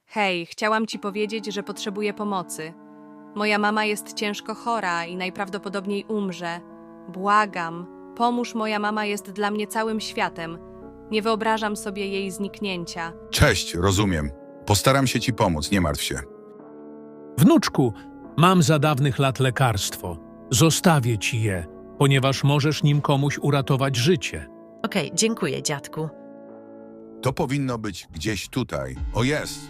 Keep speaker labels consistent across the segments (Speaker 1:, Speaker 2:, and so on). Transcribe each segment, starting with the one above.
Speaker 1: Hej, chciałam ci powiedzieć, że potrzebuję pomocy. Moja mama jest ciężko chora i najprawdopodobniej umrze. Błagam, pomóż, moja mama jest dla mnie całym światem. Nie wyobrażam sobie jej zniknięcia.
Speaker 2: Cześć, rozumiem. Postaram się ci pomóc, nie martw się.
Speaker 3: Wnuczku, mam za dawnych lat lekarstwo. Zostawię ci je, ponieważ możesz nim komuś uratować życie.
Speaker 4: Okej, dziękuję, dziadku.
Speaker 2: To powinno być gdzieś tutaj. O, jest!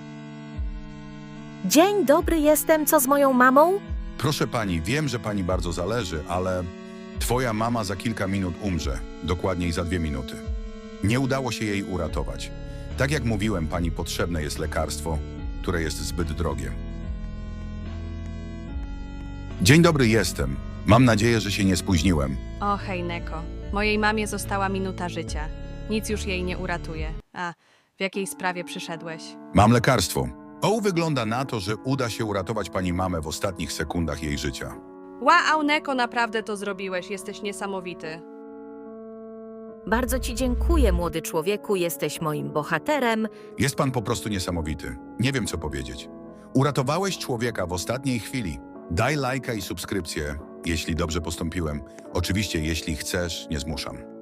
Speaker 5: Dzień dobry, jestem. Co z moją mamą?
Speaker 2: Proszę pani, wiem, że pani bardzo zależy, ale twoja mama za kilka minut umrze. Dokładniej za 2 minuty. Nie udało się jej uratować. Tak jak mówiłem, pani potrzebne jest lekarstwo, które jest zbyt drogie. Dzień dobry, jestem. Mam nadzieję, że się nie spóźniłem.
Speaker 1: O, hej, Neko. Mojej mamie została minuta życia. Nic już jej nie uratuje. A, w jakiej sprawie przyszedłeś?
Speaker 2: Mam lekarstwo. Wygląda na to, że uda się uratować pani mamę w ostatnich sekundach jej życia.
Speaker 1: Wow, Neko, naprawdę to zrobiłeś. Jesteś niesamowity.
Speaker 5: Bardzo ci dziękuję, młody człowieku. Jesteś moim bohaterem.
Speaker 2: Jest pan po prostu niesamowity. Nie wiem, co powiedzieć. Uratowałeś człowieka w ostatniej chwili. Daj lajka i subskrypcję, jeśli dobrze postąpiłem. Oczywiście, jeśli chcesz, nie zmuszam.